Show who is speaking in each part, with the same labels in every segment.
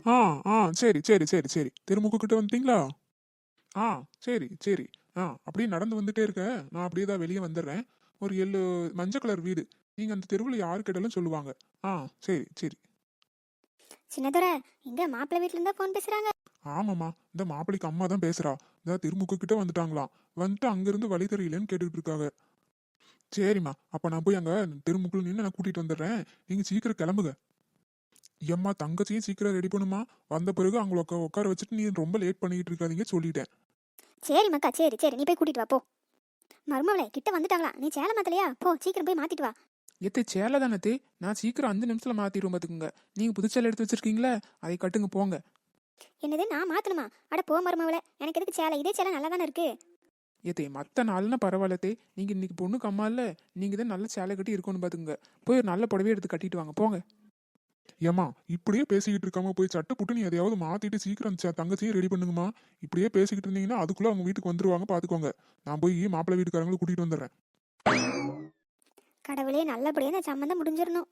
Speaker 1: ஆ ஆ சரி சரி சரி சரி திருமுக்கு கிட்ட வந்துட்டீங்களா? ஆ சரி சரி. அப்படியே நடந்து வந்துட்டே இருக்க. நான் அப்படியே தான் வெளியே வந்துடுறேன். ஒரு மஞ்சள் கலர் வீடு. நீங்க அந்த தெருவில் யாரு கேட்டாலும் சொல்லுவாங்க. ஆ சரி சரி.
Speaker 2: சின்னதுரை, எங்க மாப்பிள்ளை வீட்ல இருந்தா ஃபோன் பேசுறாங்க?
Speaker 1: ஆமாம்மா, இந்த மாப்பிள்ளைக்கு அம்மா தான் பேசுறா. இந்த திருமுக்கு கிட்ட வந்துட்டாங்களாம். வந்துட்டு அங்கிருந்து வழி தெரியலன்னு கேட்டுட்டு இருக்காங்க. சரிம்மா, அப்ப நான் போய் அங்க திருமுக்குள்ள நின்று நான் கூட்டிட்டு வந்துடுறேன். நீங்க சீக்கிரம் கிளம்புங்க. எம்மா தங்கச்சியும் சீக்கிரம் ரெடி பண்ணுமா. வந்த பிறகு அவங்கள உட்கார வச்சுட்டு நீ ரொம்ப லேட் பண்ணிட்டு இருக்காதீங்க சொல்லிட்டேன்.
Speaker 2: சரி மக்கா, சரி சரி, நீ போய் கூட்டிட்டு வா போ. மருமவளே, கிட்ட வந்துட்டாங்களா? நீ சேலை மாத்தலையா? போ சீக்கிரம் போய் மாத்திட்டு வா.
Speaker 3: எத்தே சேலை தானே? நான் சீக்கிரம் 5 நிமிஷத்துல மாத்திடுவோம் பார்த்துக்குங்க. நீங்க புது சேலை எடுத்து வச்சிருக்கீங்களா? அதை கட்டுங்க போங்க.
Speaker 2: என்னது, நான் மாத்தணுமா? அட போ மருமவளே, எனக்கு எதுக்கு சேலை? இதே சேலை நல்லா தானே இருக்கு.
Speaker 3: ஏத்தே மற்ற நாள்னா பரவாயில்லத்தே. நீங்க இன்னைக்கு பொண்ணுக்கு அம்மா இல்ல, நீங்க தான் நல்ல சேலை கட்டி இருக்கணும் பார்த்துக்குங்க. போய் ஒரு நல்ல புடவை எடுத்து கட்டிட்டு வாங்க போங்க.
Speaker 1: ஏம்மா இப்படியே பேசிக்கிட்டு இருக்காம போய் சட்டை புட்டு நீ எதையாவது மாத்திட்டு சீக்கிரம் தங்கச்சியும் ரெடி பண்ணுங்கம்மா. இப்படியே பேசிக்கிட்டு இருந்தீங்கன்னா அதுக்குள்ள அவங்க வீட்டுக்கு வந்துருவாங்க பாத்துக்கோங்க. நான் போய் மாப்பிள்ளை வீட்டுக்காரங்களை கூட்டிட்டு வந்துடுறேன்.
Speaker 2: கடவுளே, நல்லபடியா இந்த சம்மந்தம் முடிஞ்சிடணும்.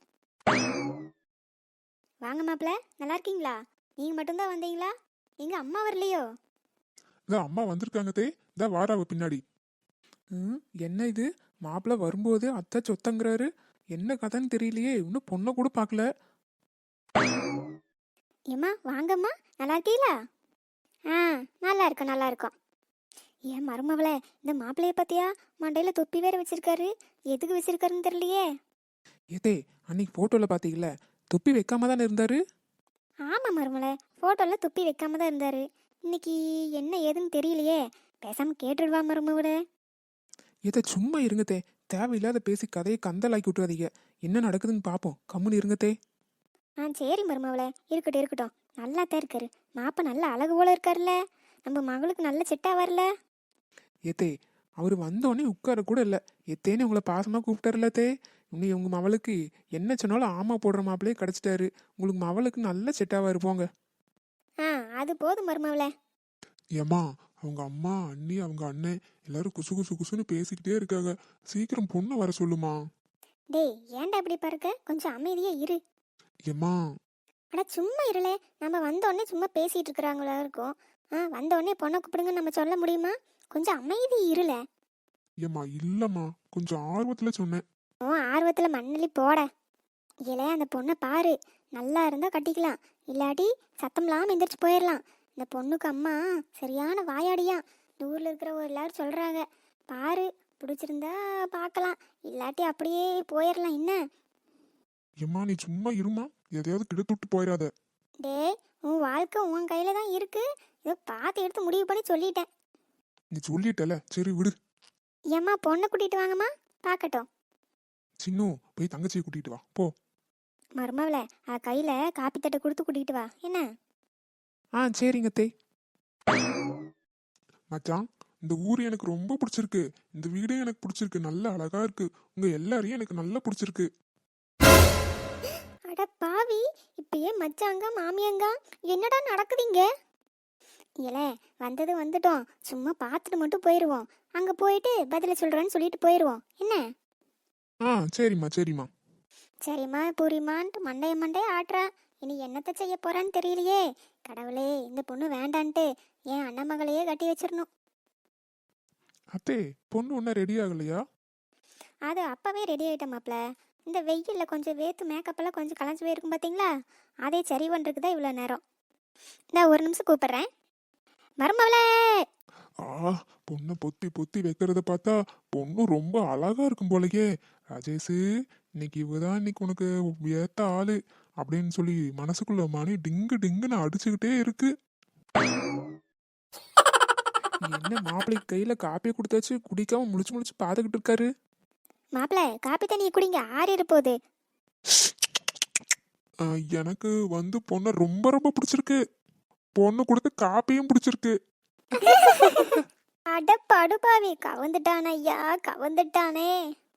Speaker 2: வாங்க மாப்பிள்ள, நல்லா இருக்கீங்களா? நீங்க மட்டும்தான் வந்தீங்களா? எங்க அம்மா வரலையோ?
Speaker 1: இதான் அம்மா வந்திருக்காங்க தே. இதான் வாராவ பின்னாடி.
Speaker 3: என்ன இது? மாப்பிள்ள வரும்போது அத்தை சொத்தங்கிறாரு. என்ன கதைன்னு தெரியலையே. இன்னும் பொண்ணை கூட பார்க்கல.
Speaker 2: ஏம்மா வாங்கம்மா, நல்லா இருக்கீங்களா? ஆ, நல்லா இருக்கோம் நல்லா இருக்கோம். ஏன் மருமவளே, இந்த மாப்பிள்ளைய பத்தியா? மண்டையில தொப்பி வேற வச்சிருக்காரு. எதுக்கு வச்சிருக்காருன்னு தெரியலையே.
Speaker 3: ஏத்தே, அன்னைக்கு போட்டோல பாத்தீங்கல்ல, தொப்பி வைக்காம தானே இருந்தாரு.
Speaker 2: ஆமா மருமவளே, போட்டோல தொப்பி வைக்காம தான் இருந்தாரு. இன்னைக்கு என்ன ஏதுன்னு தெரியலையே. பேசாம கேட்டுடுவா மருமவளே.
Speaker 3: ஏதே சும்மா இருங்கத்தே. தேவையில்லாத பேசி கதையை கந்தலாக்கி விட்டுறாதீங்க. என்ன நடக்குதுன்னு பார்ப்போம். கம்முன்னு இருங்கத்தே.
Speaker 2: சரி மருமவளே, இருக்கட்டும் இருக்கட்டும். நல்லா தான் இருக்காரு. மாப்ப நல்ல அழகு போல இருக்காருல்ல. நம்ம மகளுக்கு நல்ல செட்டா வரல.
Speaker 3: ஏத்தே, அவர் வந்தோடனே உட்கார கூட இல்லை. எத்தேன்னு உங்களை பாசமாக கூப்பிட்டாருல்லத்தே. இன்னும் உங்க மவளுக்கு என்ன சொன்னாலும் ஆமா போடுற மாப்பிள்ளையே கிடைச்சிட்டாரு. உங்களுக்கு மவளுக்கு நல்ல செட்டாவா இருப்போங்க.
Speaker 2: அது போதும் மருமவளே.
Speaker 1: ஏம்மா அவங்க அம்மா அண்ணி அவங்க அண்ணன் எல்லாரும் குசு குசு குசுன்னு பேசிக்கிட்டே இருக்காங்க. சீக்கிரம் பொண்ணை வர சொல்லுமா.
Speaker 2: டேய், ஏன்டா இப்படி பாருக்க? கொஞ்சம் அமைதியா இரு.
Speaker 1: ஏம்மா
Speaker 2: அட சும்மா இருளே. நம்ம வந்தோடனே சும்மா பேசிட்டு இருக்கிறாங்களா இருக்கும். வந்தோடனே பொண்ணை கூப்பிடுங்கன்னு நம்ம சொல்ல முடியுமா? கொஞ்சம் அமைதி இருள.
Speaker 1: ஏம்மா இல்லம்மா, கொஞ்சம் ஆர்வத்துல சொன்னேன்.
Speaker 2: ஓ, ஆர்வத்துல மண்ணலி போட. இலே, அந்த பொண்ணை பாரு. நல்லா இருந்தா கட்டிக்கலாம், இல்லாட்டி சத்தம் இல்லாம எந்திரிச்சு போயிடலாம். இந்த பொண்ணுக்கு அம்மா சரியான வாயாடியா. இந்த ஊர்ல இருக்கிற ஒரு எல்லாரும் சொல்றாங்க. பாரு, பிடிச்சிருந்தா பார்க்கலாம், இல்லாட்டி அப்படியே போயிடலாம். என்ன?
Speaker 1: ஏம்மா நீ சும்மா இருமா, எதையாவது கிடத்துட்டு போயிடாத.
Speaker 2: டேய், உன் வாழ்க்கை உன் கையில தான் இருக்கு. ஏதோ பார்த்து எடுத்து முடிவு பண்ணி சொல்லிட்டேன்.
Speaker 1: நீ சொல்லிட்டல, சரி விடு.
Speaker 2: ஏம்மா, பொண்ணை கூட்டிட்டு வாங்கம்மா, பார்க்கட்டும்.
Speaker 1: சின்னு போய் தங்கச்சியை கூட்டிட்டு வா போ.
Speaker 2: மருமவளை, கையில காப்பி தட்டை கொடுத்து கூட்டிட்டு வா. என்ன?
Speaker 3: சரிங்கத்தே.
Speaker 1: மச்சான், இந்த ஊர் எனக்கு ரொம்ப பிடிச்சிருக்கு. இந்த வீடே எனக்கு பிடிச்சிருக்கு. நல்ல அழகா இருக்கு. உங்க எல்லாரையும் எனக்கு நல்லா பிடிச்சிருக்கு.
Speaker 2: அட பாவி, இப்பயே மச்சாங்க மாமியாங்க என்னடா நடக்குதுங்க? ஏல, வந்தது வந்துட்டோம். சும்மா பார்த்துட்டு மட்டும் போயிடுவோம். அங்க போயிட்டு பதில சொல்றேன்னு சொல்லிட்டு போயிடுவோம். என்ன?
Speaker 1: சரிம்மா சரிம்மா.
Speaker 2: சரிம்மா பூரிமான்ட்டு மண்டைய ஆட்டுறா. இனி என்னத்தை செய்ய போறான்னு தெரியலையே. கடவுளே, இந்த பொண்ணு வேண்டான்ட்டு என் அண்ணன் மகளையே கட்டி வச்சிடணும்.
Speaker 1: அத்தே, பொண்ணு ஒன்னும் ரெடி ஆகலையா?
Speaker 2: அது அப்பவே ரெடி ஆயிட்டேன் மாப்ள. இந்த வெயில்ல கொஞ்சம் வேத்து மேக்கப் கொஞ்சம் கலைஞ்சு போயிருக்கும் பார்த்தீங்களா? அதே சரி பண்ணுறதுக்கு தான் இவ்வளோ நேரம். இந்த ஒரு நிமிஷம் கூப்பிடுறேன். மருமவளே!
Speaker 1: பொண்ணை பொத்தி பொத்தி வைக்கிறத பார்த்தா பொண்ணு ரொம்ப அழகா இருக்கும் போலயே. ராஜேஷு, இன்னைக்கு இவதான் இன்னைக்கு உனக்கு ஏத்த ஆளு அப்படின்னு சொல்லி மனசுக்குள்ள மணி டிங்கு டிங்குன்னு அடிச்சுக்கிட்டே இருக்கு.
Speaker 3: என்ன மாப்பிள்ளைக்கு கையில காப்பியை கொடுத்தாச்சு, குடிக்காம முழிச்சு முழிச்சு பார்த்துக்கிட்டு இருக்காரு.
Speaker 2: மாப்பிள்ள, காப்பி தண்ணியை குடிங்க, ஆறிட போகுது.
Speaker 1: எனக்கு பொண்ணை ரொம்ப ரொம்ப பிடிச்சிருக்கு. பொண்ணு கொடுத்து காப்பியும் பிடிச்சிருக்கு.
Speaker 2: அட படுபாவி, கவந்துட்டான் ஐயா, கவந்துட்டானே.